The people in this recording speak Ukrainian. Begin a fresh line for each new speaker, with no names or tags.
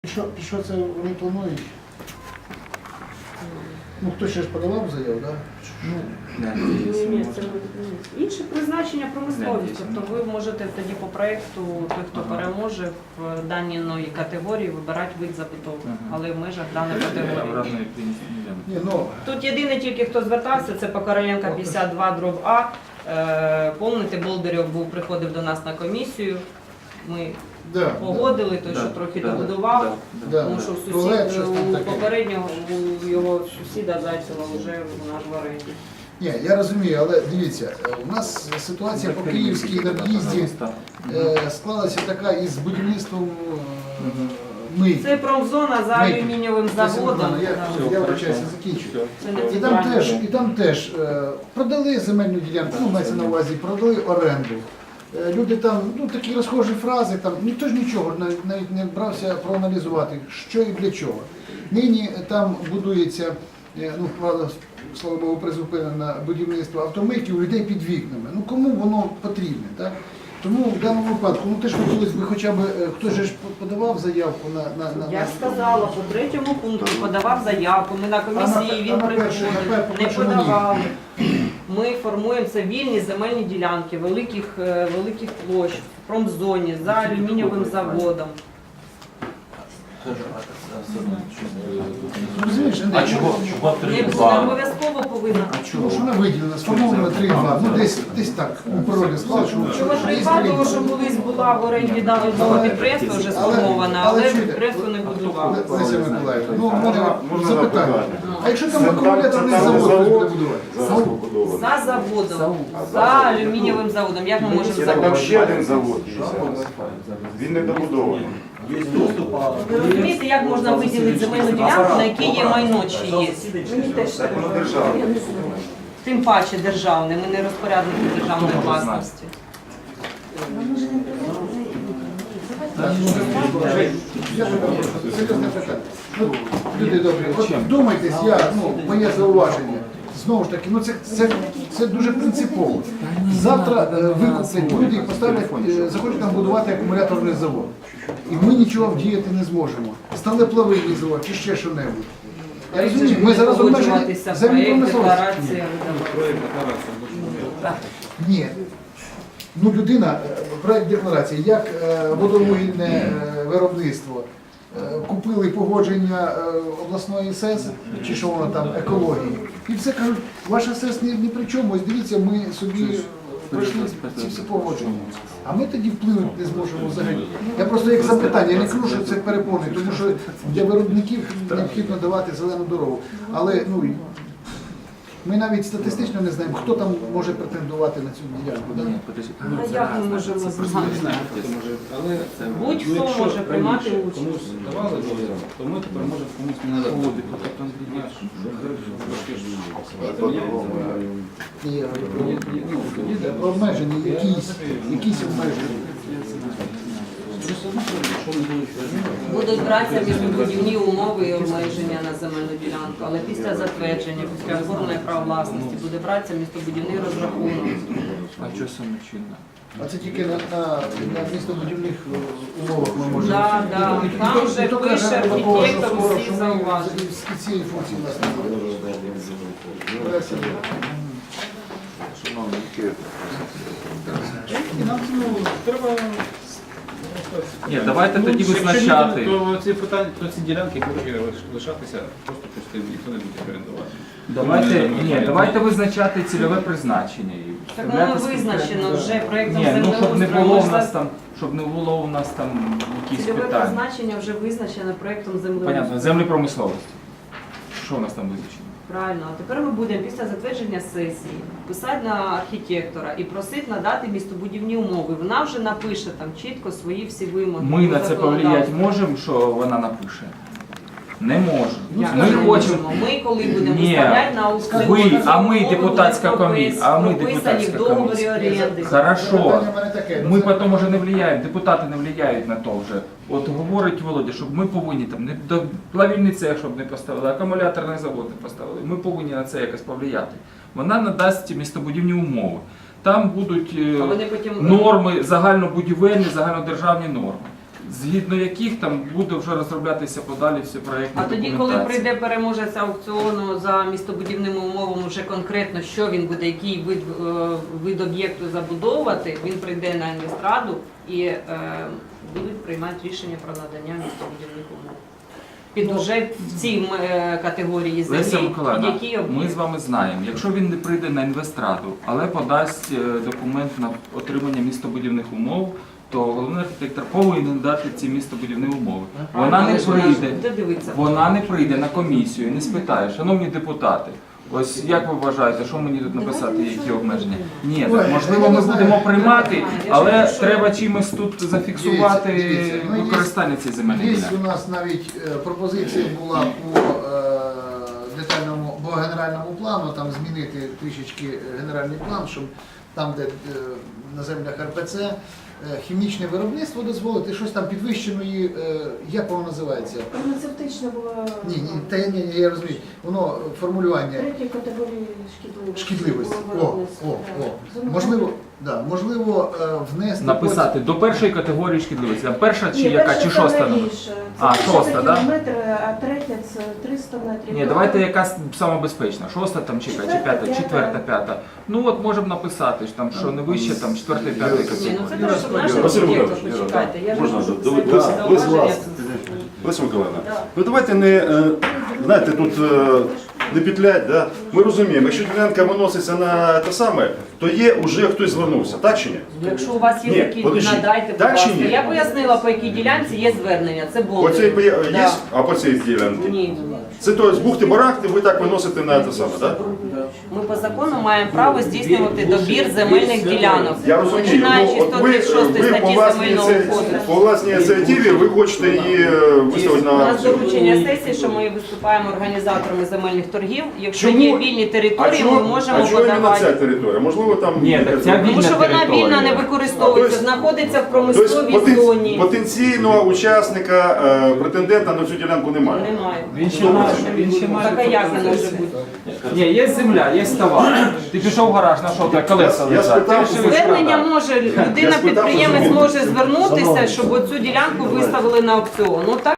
Що це вони планують? Ну, хтось ще ж подавав заяву, так?
Ні, це інше призначення промисловість. Тобто ви можете тоді по проєкту, той, хто переможе в даній категорії, вибирати вид забудови, але в межах даної категорії. Тут єдине тільки, хто звертався, це Покороленка 52/А. Помните, Болдирьов приходив до нас на комісію. Ми погодили, той, що трохи добудував, тому що у попереднього у його сусіда Зайцева вже наш в оренді.
Ні, я розумію, але дивіться, у нас ситуація по Київській над'їзді склалася така із будівництвом ми.
Це промзона за алюмінієвим заводом.
Я вибачаюся, закінчую. І там теж продали земельну ділянку, ну, мається на увазі, продали оренду. Люди там, ну, такі розхожі фрази, там ніхто ж нічого навіть не брався проаналізувати, що і для чого. Нині там будується, ну, правда, слава Богу, призупинено будівництво автомийки у людей під вікнами. Ну, кому воно потрібне, так? Тому в даному випадку, ну, теж хотілося б хоча б, хтось же ж подавав заявку на...
Я сказала, по 3-му пункту подавав заявку, ми на комісії, він приходив, не подавали. Ми формуємо це вільні земельні ділянки, великих площ, в промзоні, за алюмінієвим заводом.
А чого?
Не буде, обов'язково повинна.
Тому що вона виділена, сформована 3,2, ну десь так, у природі склад, що...
Чого 3,2, тому що колись була в оренді даного підприємства вже сформована, але підприємство не будувало.
Леся Миколаївна, ну, в мене запитання. А якщо там акумуляторний завод хтось буде будувати?
За заводом, за алюмінієвим заводом, як ми можемо
Там
забудувати?
ще один завод є. Він не добудований.
Ви розумієте, як можна виділити земельну ділянку, на якій є майно чиєсь? Мені теж так.
Так воно державне.
Тим паче державне, ми не розпорядники державної власності.
Серйозне питання. Ну, люди добрі, от вдумайтесь, моє зауваження. Знову ж таки, ну це дуже принципово. Завтра викуплять люди і поставлять, захочуть там будувати акумуляторний завод. І ми нічого вдіяти не зможемо. Сталеплавильний завод чи ще що-небудь. Я розумію, ми зараз обмежені землі промисловості. Ні. Ну, людина, проєкт декларації, як водовугільне виробництво, купили погодження обласної СЕС, чи що воно там, екології. І все кажуть, ваша СЕС ні при чому, ось дивіться, ми собі пройшли ці всі погодження. А ми тоді вплинути не зможемо взагалі. Я просто як запитання, я не кажу, що це перепони, тому що для виробників необхідно давати зелену дорогу. Але, ну, ми навіть статистично не знаємо, хто там може претендувати на цю ділянку.
А як ми можемо знати? Будь-хто може приймати участь.
Комусь давали дозвіл, то ми тепер можемо комусь не надавати.
Обмежені, якісь обмеження.
Будуть братися містобудівні умови і обмеження на земельну ділянку, але після затвердження, після оформлення прав власності буде братися містобудівний розрахунок.
А що саме чинно?
А це тільки на містобудівних умовах ми можемо.
Так. Там вже пише архітектор усі зауваження.
Цієї функції у нас немає.
І нам треба...
Ні, давайте тоді визначати.
То ці питання, то ці ділянки будуть лишатися, просто ніхто не буде орендувати.
Давайте визначати цільове призначення.
Так воно визначено вже проєктом
Щоб не було
землеустрою.
в нас там, якісь
Цільове
питання.
призначення вже визначено проєктом
Понятно,
землеустрою.
землі промисловості. Що у нас там визначено?
Правильно. А тепер ми будемо після затвердження сесії писати на архітектора і просити надати містобудівні умови. Вона вже напише там чітко свої всі вимоги.
Ми на це повлияти можемо, що вона напише? Не можемо.
Як
Ми
не
хочемо.
можемо? Ми коли будемо
Ні.
виставляти на аукціон,
Ви, а ми
умови
депутатська
будуть
комісія, а ми
прописані
депутатська
в договорі
комісія.
оренди.
Хорошо.
Питання в мене таке.
Ми потім вже не впливаємо, депутати не впливають на то вже. От говорить Володя, щоб ми повинні там не плавільний цех, щоб не поставили, акумуляторний завод не поставили. Ми повинні на це якось повлияти. Вона надасть містобудівні умови. Там будуть
А вони потім...
норми, загальнобудівельні, загальнодержавні норми. згідно яких там буде вже розроблятися подалі всі проєктні
А тоді, коли
документації.
прийде переможець аукціону за містобудівними умовами, вже конкретно що він буде, який вид об'єкту забудовувати, він прийде на інвестраду і будуть приймати рішення про надання містобудівних умов. Під уже в цій категорії
Леся
землі,
Миколаївна,
під які
ми
об'єкти.
з вами знаємо, якщо він не прийде на інвестраду, але подасть документ на отримання містобудівних умов, то головний архітектор повинен дати ці містобудівні умови. Вона не
Але ж вона ж
прийде.
буде дивитися.
Вона не прийде на комісію і не спитає, шановні депутати, ось як ви вважаєте, що мені тут написати, які обмеження? Ні,
Ой,
так, можливо,
я
ми
не знаю.
будемо приймати,
Я ж
але
кажу, що-
треба чимось тут зафіксувати
Дивіться, ну, є-
використання цієї земельної
Є
ділянки.
у нас навіть пропозиція була по детальному, по генеральному плану, там змінити трішечки генеральний план, щоб там, де на землях РПЦ, хімічне виробництво дозволити, щось там підвищеної, як воно називається?
Фармацевтична була
Ні, я розумію. Воно формулювання
третьої категорії
шкідливості.
було
О,
виробництво. Так.
можливо, да, можливо, внести
Написати до першої категорії шкідливості. А перша чи
Ні,
яка,
перша
чи шоста?
саме
номер?
більше. Це
А,
перша
шоста,
це
да?
кілометр, а третя це 300 метрів.
Ні, давайте якась самобезпечна. Шоста там чи яка, чи
Четверта,
п'ята,
п'ята.
четверта, п'ята. Ну от можемо написати, що там що не вище, там четвертої, п'ятої
Ні, ну це
категорії.
те, що в наших
Василь
об'єктах,
Миколаївич,
почекайте. Я ж
можна
можу
вже?
свої
Леся
зауваження.
Леся Миколаївна,
Да.
ну давайте не, знаєте, тут не петлять, да? Ми розуміємо, якщо ділянка виноситься на те саме, то є вже хтось звернувся, так чи ні?
Якщо у вас є
Ні,
такі,
подожди.
надайте, будь
Так чи
ласка.
ні?
Я пояснила, по якій ділянці є звернення. Це
По
було.
цій є, а по цій ділянці?
Ні.
Це то з бухти-барахти ви так виносите на те саме, так?
Ми по закону маємо право здійснювати добір земельних ділянок.
Я розумію,
Починаючи
ну,
з
от ви
136 статті Земельного кодексу.
по власній ініціативі ви хочете її виставити
У
на
нас
аукціон.
доручення сесії, що ми виступаємо організаторами земельних торгів. Якщо
Чому?
є вільні території, ми можемо
а чого іменно ця
подавати.
територія? Можливо, там...
Ні, так ця
Тому що вона
територія.
вільна не використовується,
Тобто-
знаходиться в
Тобто
промисловій зоні.
потенційного учасника, претендента на цю ділянку немає.
Немає.
Він ще має, він ще має.
Так а як не може бути?
Ні, є земля, є товар. Ти пішов в гараж, знайшов де колеса
Я
лежать.
спитав,
Ти вирішив
Звернення
продати.
може,
Я
людина-підприємець
спитав,
може звернутися, щоб оцю ділянку виставили на аукціон. Ну так